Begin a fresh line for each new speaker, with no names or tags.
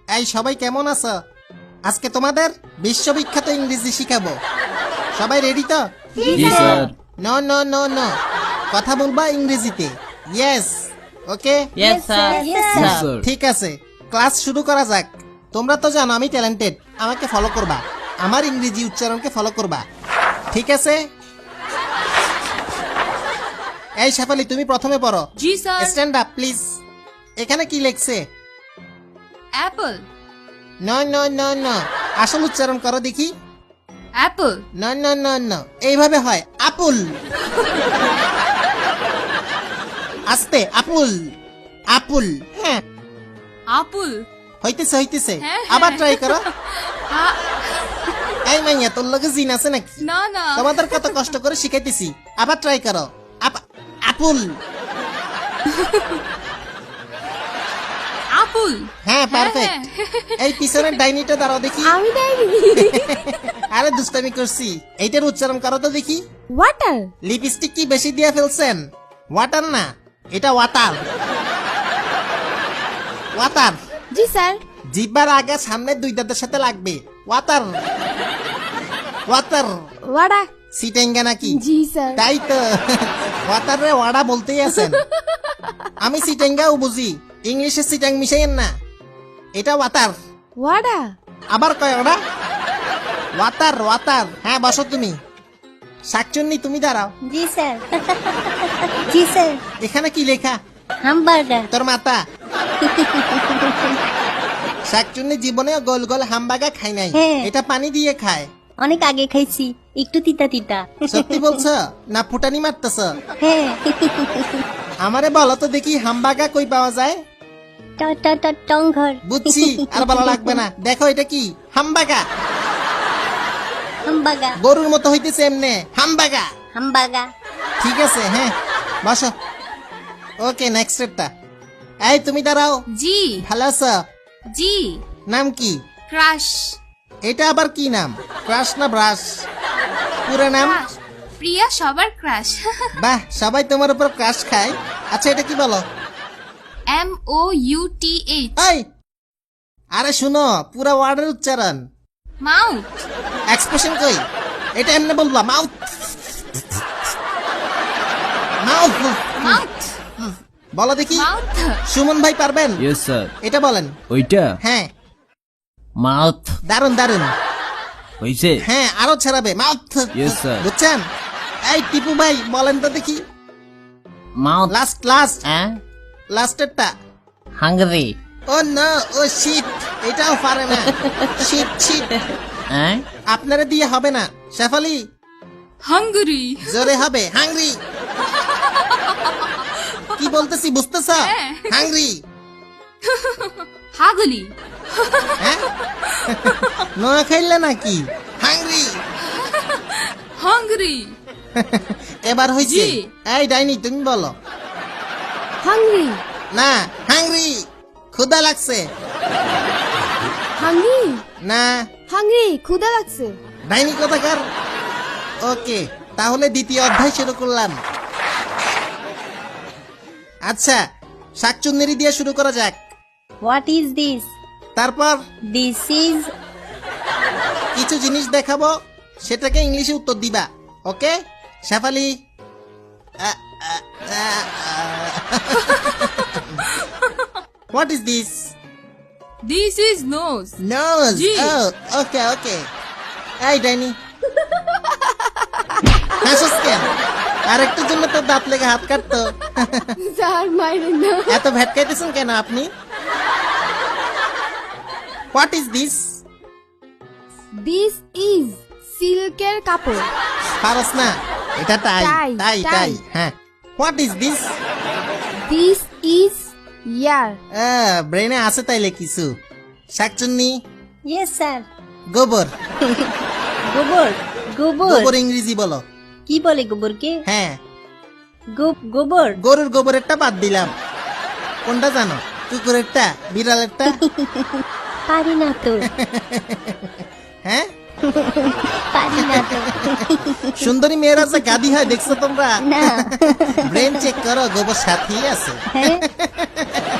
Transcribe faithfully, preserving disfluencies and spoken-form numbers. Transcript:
এই সবাই কেমন আছো? আজকে তোমাদের বিশ্ববিখ্যাত ইংরেজি শিখাবো। সবাই রেডি তো?
জি sir.
No no no no, কথা বলবা ইংরেজিতে। Yes, okay,
yes sir.
Yes,
sir.
ঠিক আছে, ক্লাস শুরু করা যাক। তোমরা তো জানো আমি ট্যালেন্টেড, আমাকে ফলো করবা, আমার ইংরেজি উচ্চারণকে ফলো করবা, ঠিক আছে? এই শেফালি, তুমি প্রথমে পড়ো।
জি স্যার।
Stand up please. এখানে কি লেখছে?
Apple,
no no no no, আসল উচ্চারণ করো দেখি।
Apple,
no no no no, এইভাবে হয় আপুল। আস্তে, আপুল আপুল। হ্যাঁ,
আপুল,
হইতেছে হইতেছে,
হ্যাঁ,
আবার
হ্যাঁ।
ট্রাই করো।
আ-
এই মাইয়া, তোর লগে জিন আছে নাকি?
না না,
তোমাদের কত কষ্ট করে শিখাইতেছি, আবার ট্রাই করো। আপ- আপুল।
আপুল,
হ্যাঁ, পারফেক্ট। এই পিছনের ডাইনিটা দাঁড়াও দেখি।
আমি দেয়নি।
আরে দুষ্টামি করছি, এইটার উচ্চারণ করো তো দেখি।
ওয়াটার।
লিপস্টিক কি বেশি দিয়ে ফেলছেন? ওয়াটার না, এটা ওয়াটার। ওয়াটার।
জি স্যার।
জিব্বার আগে সামনে দুই দাঁতের সাথে লাগবে। Water water.
ওয়াডা।
সিটেঙ্গা নাকি?
জি স্যার।
তাই তো, ওয়াটার রে ওয়াডা বলতেই আছেন। আমি সিটেঙ্গাও বুঝি, ইংলিশে সিটাং মিশাইয়েন না। এটা ওয়াটার।
ওয়াডা।
আবার কয় ওরা? Water water. হ্যাঁ, বসো তুমি। শাকচুন্নি, তুমি দাঁড়াও।
জি স্যার। জি স্যার।
এখানে কি লেখা?
হামবার্গার।
তোর মাতা। শাকচুন্নি জীবনেও গোল গোল হামবাগা খাই নাই,
হ্যাঁ।
এটা পানি দিয়ে খায়।
অনেক আগে খাইছি, একটু তিতা তিতা।
সত্যি বলছ না ফুটানি মারতেছ?
হ্যাঁ।
আমারে বলো তো দেখি, হামবাগা কই পাওয়া যায়?
ট ট ট টংঘর।
বুঝছি, আর বলা লাগবে না। দেখো এটা কি? হামবাগা।
হামবাগা।
গরুর মতো হইতেছে এমনে, হামবাগা।
হামবাগা।
ঠিক আছে, হ্যাঁ, বসো। ওকে, নেক্সট স্টেপটা। এই তুমি দাঁড়াও।
জি
ভালো আছো?
জি,
নাম কি?
ক্রাশ,
এটা আবার কি নাম? ক্রাশ না ব্রাশ? পুরো নাম?
ক্রাশ, প্রিয়া সবার ক্রাশ।
বাহ, সবাই তোমার উপর ক্রাশ খায়। আচ্ছা, এটা কি বলো?
M O U T H,
এই, আরে শুনো, পুরো ওয়ার্ডের উচ্চারণ।
মাউথ,
এক্সপ্রেশন কই? এটা এমনি বলবা, মাউথ মাউথ।
মাউথ,
বলো দেখি।
মাউথ,
সুমন ভাই পারবেন?
Yes sir.
এটা বলেন।
ওইটা
হ্যাঁ,
মাউথ
দারুন দারুন।
হইছে।
হ্যাঁ, আরো ছাড়াবে, মাউথ।
Yes, sir.
বুঝছেন? এই টিপু ভাই বলেন তো দেখি।
মাউথ।
লাস্ট লাস্ট
হ্যাঁ,
লাস্টেরটা।
হাঙ্গরি।
ও না, ও শিট, এটাও পারে না। শিট শিট,
হ্যাঁ,
আপনারা দিয়ে হবে না। শেফালি,
হাঙ্গরি,
জোরে হবে, হাংরি। কি বলতেছি বুঝতেছ?
হ্যাঁ।
হাংরি।
হাগলি,
হ্যাঁ, নোয়া খাইলে নাকি? হাংরি।
হাঙ্গরি,
এবার হয়েছে।
জি।
এই ডাইনি, তুমি বলো।
হাংরি।
না, হাংরি, ক্ষুধা লাগছে।
হাংরি।
না,
হাংরি, ক্ষুধা লাগছে।
ডাইনি কোথাকার। ওকে, তাহলে দ্বিতীয় অধ্যায় শুরু করলাম। আচ্ছা, শাকচুন্নেরি দিয়ে শুরু করা যাক।
What is this?
তারপর
দিস ইজ।
কিছু জিনিস দেখাবো, সেটাকে ইংলিশে উত্তর দিবা। Okay Shefali? What is this?
This is nose,
nose.
জি।
Okay okay. এই ডাইনি, হাসিস কেন? আর একটুর জন্য তো দাঁত লেগে হাত কাটতো।
স্যার মাইরেন না।
এত ভেটকাইতেছেন কেন আপনি? What is this?
This is সিল্কের কাপড়।
পারস না, এটা টাই
টাই,
টাই
টাই।
টাই। হ্যাঁ, what is this?
This is ear.
ব্রেনে আছে তাইলে কিছু। শাকচুন্নি,
ইয়েস স্যার।
গোবর।
গোবর। গোবর।
গোবর ইংরেজি বলো।
কি বলে গোবরকে?
হ্যাঁ,
গো- গোবর।
গরুর গোবরেরটা বাদ দিলাম। কোনটা জানো? কুকুরেরটা, বিড়ালেরটা?
পারি না তো।
হ্যাঁ,
পারি না তো।
সুন্দরী মেয়েরা যে গাদি হয় দেখছো তোমরা?
না।
ব্রেন চেক করো, গোবর সাথেই আছে।
হ্যাঁ।